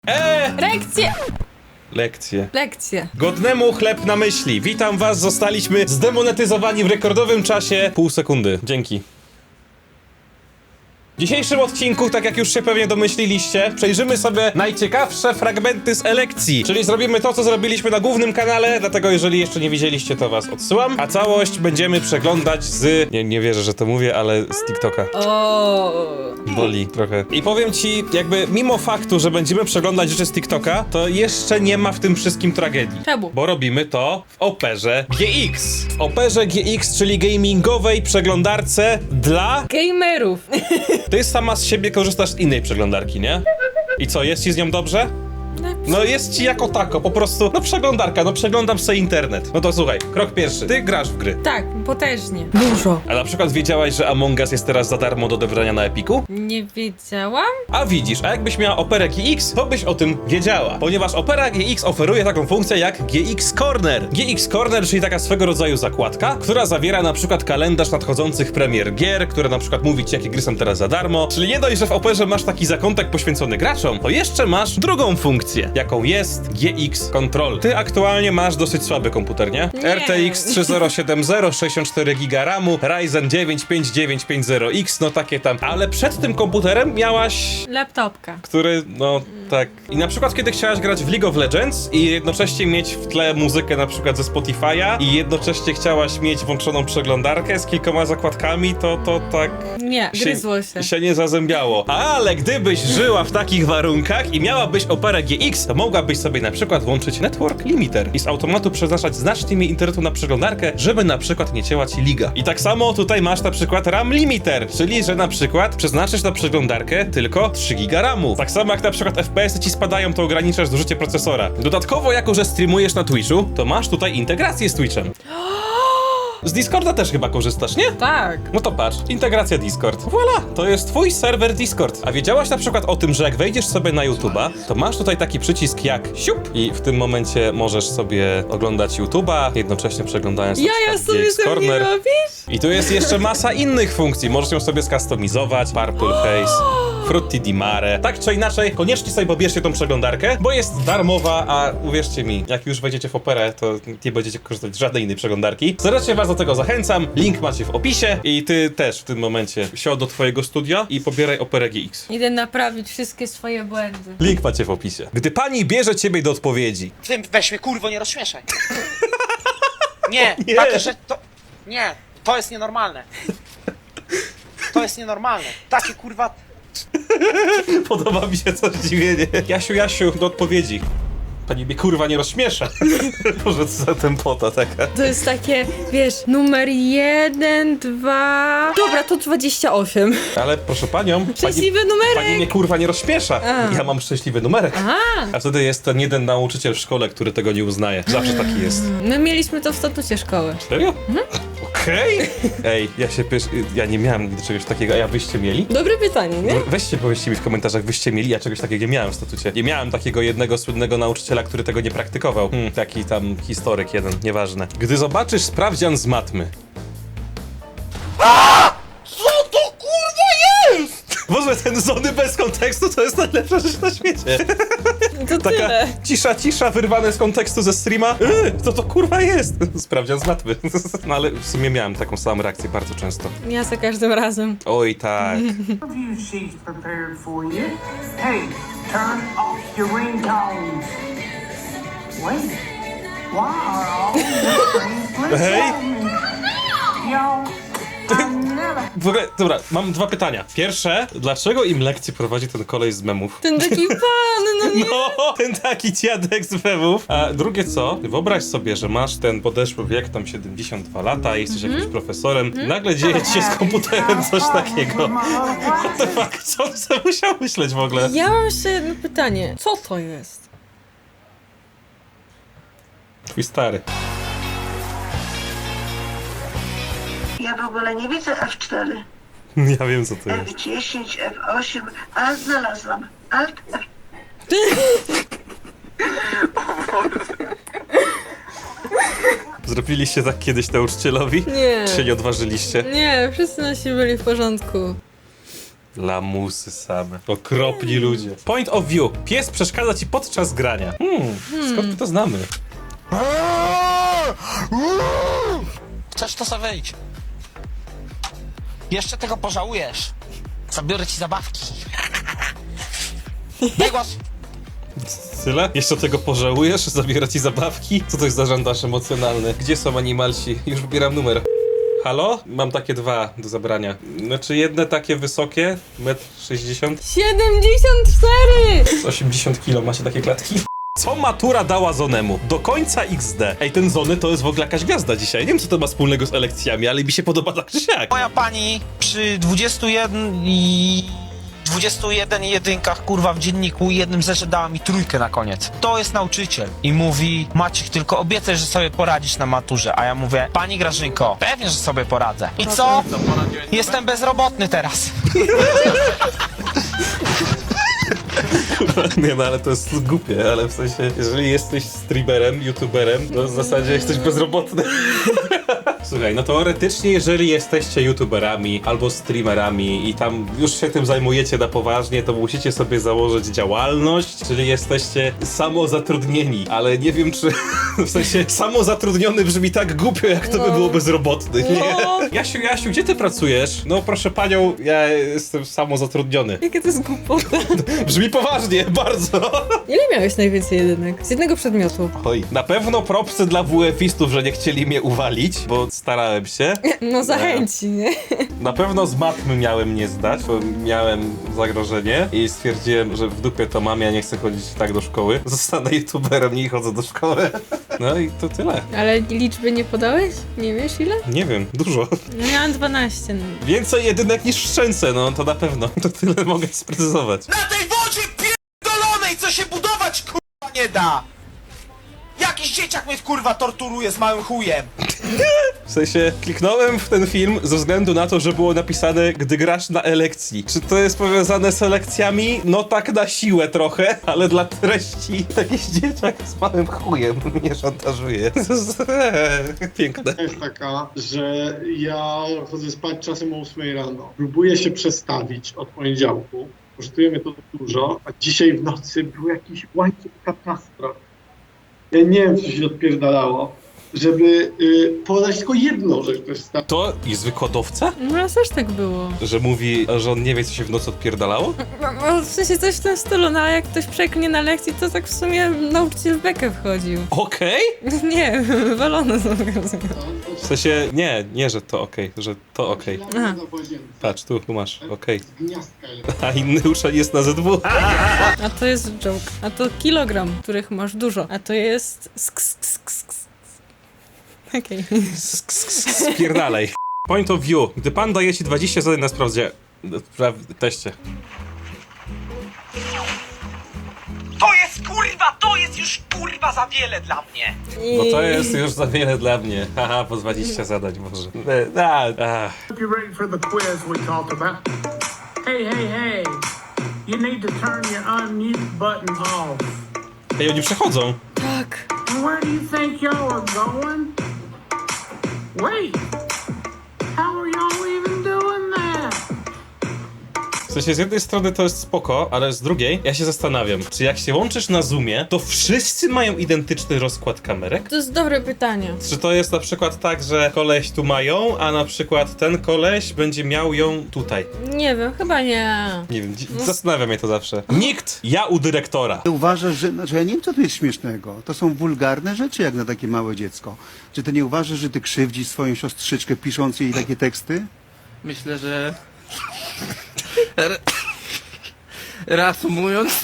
Lekcje. Godnemu chleb na myśli. Witam was, zostaliśmy zdemonetyzowani w rekordowym czasie pół sekundy. Dzięki. W dzisiejszym odcinku, tak jak już się pewnie domyśliliście, przejrzymy sobie najciekawsze fragmenty z elekcji. Czyli zrobimy to, co zrobiliśmy na głównym kanale, dlatego jeżeli jeszcze nie widzieliście, to was odsyłam. A całość będziemy przeglądać z... Nie wierzę, że to mówię, ale z TikToka. Boli trochę. I powiem ci, jakby mimo faktu, że będziemy przeglądać rzeczy z TikToka, to jeszcze nie ma w tym wszystkim tragedii. Czemu? Bo robimy to w Operze GX. W Operze GX, czyli gamingowej przeglądarce dla... Gamerów. Ty sama z siebie korzystasz z innej przeglądarki, nie? I co, jest ci z nią dobrze? No jest ci jako tako, po prostu, no przeglądarka, no przeglądam sobie internet. No to słuchaj, krok pierwszy, ty grasz w gry. Tak, potężnie. Dużo. A na przykład wiedziałaś, że Among Us jest teraz za darmo do odebrania na Epiku? Nie wiedziałam? A widzisz, a jakbyś miała Operę GX, to byś o tym wiedziała. Ponieważ Opera GX oferuje taką funkcję jak GX Corner. GX Corner, czyli taka swego rodzaju zakładka, która zawiera na przykład kalendarz nadchodzących premier gier, które na przykład mówi ci, jakie gry są teraz za darmo. Czyli nie dość, że w Operze masz taki zakątek poświęcony graczom, to jeszcze masz drugą funkcję, jaką jest GX Control. Ty aktualnie masz dosyć słaby komputer, nie? Nie. RTX 3070, 64 GB RAMu, Ryzen 9 5950X, no takie tam. Ale przed tym komputerem miałaś... Laptopka. który, no tak. I na przykład kiedy chciałaś grać w League of Legends i jednocześnie mieć w tle muzykę na przykład ze Spotify'a i jednocześnie chciałaś mieć włączoną przeglądarkę z kilkoma zakładkami, to tak... Nie, gryzło się. nie zazębiało. Ale gdybyś żyła w takich warunkach i miałabyś Operę GX, to mogłabyś sobie na przykład włączyć Network Limiter i z automatu przeznaczać znacznie mniej internetu na przeglądarkę, żeby na przykład nie cięła ci liga. I tak samo tutaj masz na przykład RAM Limiter, czyli że na przykład przeznaczysz na przeglądarkę tylko 3 GB RAMu. Tak samo jak na przykład FPS-y ci spadają, to ograniczasz zużycie procesora. Dodatkowo, jako że streamujesz na Twitchu, to masz tutaj integrację z Twitchem. Z Discorda też chyba korzystasz, nie? Tak. No to patrz, integracja Discord. Voilà, to jest twój serwer Discord. A wiedziałaś na przykład o tym, że jak wejdziesz sobie na YouTube'a, to masz tutaj taki przycisk jak siup i w tym momencie możesz sobie oglądać YouTube'a, jednocześnie przeglądając na Ja przykład sobie GX sobie Corner. robisz? I tu jest jeszcze masa innych funkcji. Możesz ją sobie skustomizować, Purple Face, Frutti di Mare. Tak czy inaczej, koniecznie sobie pobierzcie tą przeglądarkę, bo jest darmowa, a uwierzcie mi, jak już wejdziecie w Operę, to nie będziecie korzystać z żadnej innej przeglądarki. Serdecznie was do tego zachęcam, link macie w opisie i ty też w tym momencie siądź do twojego studia i pobieraj Operę GX. Idę naprawić wszystkie swoje błędy. Link macie w opisie. Gdy pani bierze ciebie do odpowiedzi. Ty weź mnie, kurwo, nie rozśmieszaj. Nie, Nie. takie rzeczy to... Nie, to jest nienormalne. To jest nienormalne. Takie, kurwa... Podoba mi się to zdziwienie. Jasiu, do odpowiedzi. Pani mnie kurwa nie rozśmiesza. Boże, co za tempota taka. To jest takie, wiesz, numer 1, 2... Dobra, to 28. Ale proszę panią, Szczęśliwy pani numerek. mnie kurwa nie rozśmiesza. A. Ja mam szczęśliwy numerek. A wtedy jest ten jeden nauczyciel w szkole, który tego nie uznaje. Zawsze taki jest. My mieliśmy to w statucie szkoły. Serio? Okej. Ej, ja nie miałem nigdy czegoś takiego, a ja wyście mieli? Dobre pytanie, nie? Weźcie, powiedzcie mi w komentarzach, wyście mieli, ja czegoś takiego nie miałem w statucie. Nie miałem takiego jednego słynnego nauczyciela, który tego nie praktykował. Taki tam historyk jeden, nieważne. Gdy zobaczysz sprawdzian z matmy. Co to kurwa jest? Boże, ten Zony bez kontekstu to jest najlepsza rzecz na świecie. To Taka tyle. cisza, wyrwane z kontekstu ze streama. Co to kurwa jest? Sprawdzian z matmy. No ale w sumie miałem taką samą reakcję bardzo często. Ja za każdym razem. Oj tak. Review sheets prepared for you. Hey, turn off your ringtones. Wait, why are all these screens Hey. Yo, I never... W ogóle, dobra, mam dwa pytania. Pierwsze, dlaczego im lekcje prowadzi ten kolej z memów? Ten taki pan, no nie. No, ten taki dziadek z memów. A drugie co, wyobraź sobie, że masz ten podeszły wiek, tam 72 lata, jesteś jakimś profesorem, nagle dzieje ci się z komputerem coś takiego. What the fuck, co on sobie musiał myśleć w ogóle? Ja mam jeszcze jedno pytanie. Co to jest? Twój stary. Ja w ogóle nie widzę F4, Ja wiem co to jest. F10, F8, ale znalazłam. Alt F. Zrobiliście tak kiedyś nauczycielowi? Nie. Czy się nie odważyliście? Nie, wszyscy nasi byli w porządku. Lamusy same. Okropni ludzie. Point of view. Pies przeszkadza ci podczas grania. Skąd my to znamy? Chcesz, to sobie wyjdź. Jeszcze tego pożałujesz. Zabiorę ci zabawki. Daj głos. Tyle? Jeszcze tego pożałujesz? Zabiera ci zabawki? Co to jest za żandaż emocjonalny? Gdzie są animalsi? Już wybieram numer. Halo? Mam takie dwa do zabrania. Znaczy jedne takie wysokie, 1,60 m, 74! 80 kg, macie takie klatki? Co matura dała Zonemu? Do końca XD. Ej, ten Zony to jest w ogóle jakaś gwiazda dzisiaj. Nie wiem, co to ma wspólnego z elekcjami, ale mi się podoba tak czy siak. Moja pani przy 21 jedynkach, kurwa, w dzienniku i jednym zeszycie dała mi 3 na koniec. To jest nauczyciel. I mówi, Maciek, tylko obiecaj, że sobie poradzisz na maturze. A ja mówię, pani Grażynko, pewnie, że sobie poradzę. I co? Jestem bezrobotny teraz. Nie no, ale to jest głupie, ale w sensie, jeżeli jesteś streamerem, youtuberem, to w zasadzie jesteś bezrobotny. Słuchaj, no teoretycznie, jeżeli jesteście youtuberami albo streamerami i tam już się tym zajmujecie na poważnie, to musicie sobie założyć działalność, czyli jesteście samozatrudnieni, ale nie wiem, czy w sensie samozatrudniony brzmi tak głupio, jak to by było bezrobotny, nie? Jasiu, gdzie ty pracujesz? No proszę panią, ja jestem samozatrudniony. Jakie to jest głupota. Brzmi poważnie, bardzo. Ile miałeś najwięcej jedynek? Z jednego przedmiotu. Oj, na pewno propsy dla WF-istów, że nie chcieli mnie uwalić, bo starałem się. No zachęci, nie? Na pewno z matmy miałem nie zdać, bo miałem zagrożenie i stwierdziłem, że w dupie to mam, ja nie chcę chodzić tak do szkoły. Zostanę youtuberem, nie chodzę do szkoły. No i to tyle. Ale liczby nie podałeś? Nie wiesz ile? Nie wiem, dużo. No miałam 12. No. Więcej jedynek niż w Szczęce, no to na pewno. To tyle mogę sprecyzować. Na tej wodzie pierdolonej, co się budować, kurwa, nie da! Jakiś dzieciak mnie, kurwa, torturuje z małym chujem. W sensie, kliknąłem w ten film ze względu na to, że było napisane, gdy grasz na elekcji. Czy to jest powiązane z lekcjami? No tak na siłę trochę, ale dla treści jakiś dzieciak z małym chujem mnie szantażuje. Piękne. Jest taka, że ja chodzę spać czasem o 8 rano. Próbuję się przestawić od poniedziałku. Kosztuje mnie to dużo, a dzisiaj w nocy był jakiś łańcuch katastrof. Ja nie wiem, co się odpierdalało, żeby podać tylko jedną rzecz też stać. To jest wykładowca? No raz też tak było. Że mówi, że on nie wie, co się w nocy odpierdalało? No, w sensie coś w tym stylu, no ale jak ktoś przeklnie na lekcji, to tak w sumie nauczyciel w bekę wchodził. Okej? Nie, walone są W sensie, nie, że to okej, że to okej. Aha. Patrz, tu masz, okej. Z gniazdka A inny uczeń jest na ZW. A to jest joke. A to kilogram, których masz dużo. A to jest... Okej. Spierdalej. Point of view. Gdy pan daje ci 20 zadań na teście. To jest już, kurwa, za wiele dla mnie. No to jest już za wiele dla mnie. Haha, po 20 zadań może. Hope you're ready for the quiz we talked about. Hey, hey, hey. You need to turn your unmute button off. Ej, oni przechodzą. Tak. And where do you think y'all are going? Wait. How are y'all even doing that? W sensie z jednej strony to jest spoko, ale z drugiej ja się zastanawiam, czy jak się łączysz na Zoomie, to wszyscy mają identyczny rozkład kamerek? To jest dobre pytanie. Czy to jest na przykład tak, że koleś tu ma ją, a na przykład ten koleś będzie miał ją tutaj? Nie wiem, chyba nie. Nie wiem, zastanawia mnie to zawsze. Nikt, ja u dyrektora. Ty uważasz, że... Znaczy ja nie wiem, co tu jest śmiesznego. To są wulgarne rzeczy, jak na takie małe dziecko. Czy ty nie uważasz, że ty krzywdzisz swoją siostrzyczkę, pisząc jej takie teksty? Myślę, że reasumując,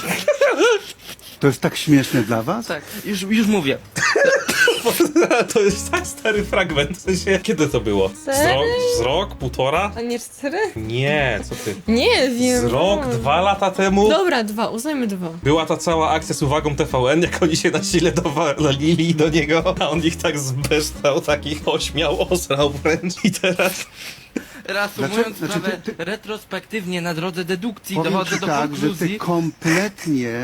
To jest tak śmieszne dla was? tak, już mówię. To jest tak stary fragment. W sensie, kiedy to było? Serio? Z rok, półtora? A nie 4? Nie, co ty? Nie wiem. Z rok, 2 lata temu? Dobra, 2, uznajmy 2. Była ta cała akcja z uwagą TVN, jak oni się na sile dowalili do niego, a on ich tak zbeształ, takich ośmiał, osrał wręcz i teraz... Reasumując Znaczy, sprawę ty- retrospektywnie na drodze dedukcji Powiem dochodzę ci do tak, że ty konkluzji. kompletnie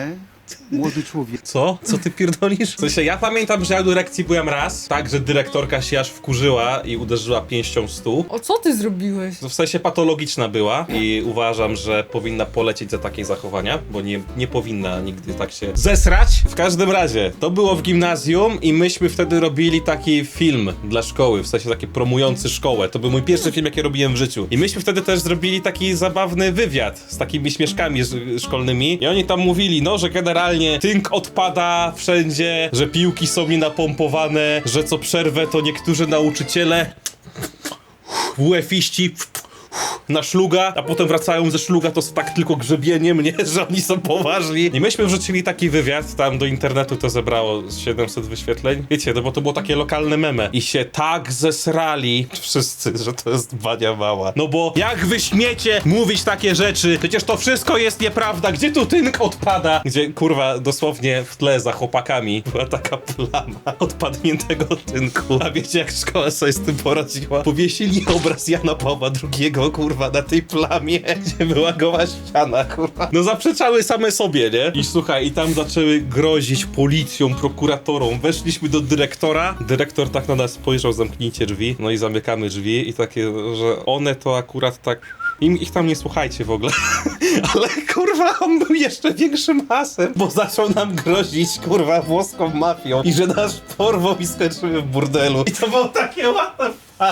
Młody człowiek. Co? Co ty pierdolisz? W sensie, ja pamiętam, że ja do lekcji byłem raz, tak, że dyrektorka się aż wkurzyła i uderzyła pięścią w stół. O co ty zrobiłeś? W sensie patologiczna była i uważam, że powinna polecieć za takie zachowania, bo nie powinna nigdy tak się zesrać. W każdym razie, to było w gimnazjum i myśmy wtedy robili taki film dla szkoły, w sensie taki promujący szkołę. To był mój pierwszy film, jaki robiłem w życiu. I myśmy wtedy też zrobili taki zabawny wywiad z takimi śmieszkami szkolnymi i oni tam mówili, no, że generalnie tynk odpada wszędzie, że piłki są nienapompowane, że co przerwę to niektórzy nauczyciele WF-iści na szluga, a potem wracają ze szluga, to tak tylko grzebienie mnie, że oni są poważni. I myśmy wrzucili taki wywiad, tam do internetu to zebrało 700 wyświetleń. Wiecie, no bo to było takie lokalne meme. I się tak zesrali wszyscy, że to jest bania mała. No bo jak wy śmiecie mówić takie rzeczy? Przecież to wszystko jest nieprawda. Gdzie tu tynk odpada? Gdzie, kurwa, dosłownie w tle za chłopakami była taka plama odpadniętego tynku. A wiecie, jak szkoła sobie z tym poradziła? Powiesili obraz Jana Pawła II, kurwa, na tej plamie, gdzie była goła ściana, kurwa. No zaprzeczały same sobie, nie? I słuchaj, i tam zaczęły grozić policją, prokuratorą. Weszliśmy do dyrektora. Dyrektor tak na nas spojrzał, zamknijcie drzwi. No i zamykamy drzwi i takie, że one to akurat tak... Ich tam nie słuchajcie w ogóle. Ale kurwa, on był jeszcze większym hasem, bo zaczął nam grozić, kurwa, włoską mafią i że nas porwą i skończymy w burdelu. I to było takie łatwe.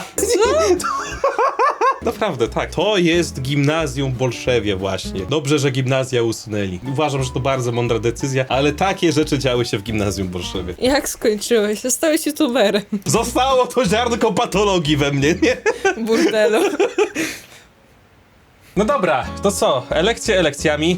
Naprawdę, tak. To jest gimnazjum w Bolszewie właśnie. Dobrze, że gimnazja usunęli. Uważam, że to bardzo mądra decyzja, ale takie rzeczy działy się w gimnazjum w Bolszewie. Jak skończyłeś? Zostałeś youtuberem. Zostało to ziarnko patologii we mnie, nie? Burdelu. No dobra, to co? Elekcje elekcjami.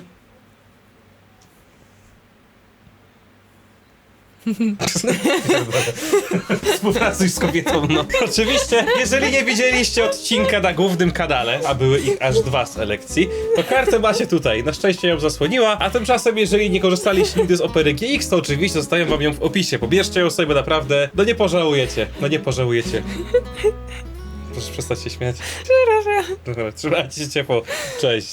Współpracuj z kobietą, no. Oczywiście, jeżeli nie widzieliście odcinka na głównym kanale, a były ich aż 2 z elekcji, to kartę macie tutaj. Na szczęście ją zasłoniła, a tymczasem, jeżeli nie korzystaliście nigdy z Opery GX, to oczywiście zostawiam wam ją w opisie. Pobierzcie ją sobie, naprawdę, no nie pożałujecie. No nie pożałujecie. Proszę przestać się śmiać. Trzymajcie się ciepło. Cześć.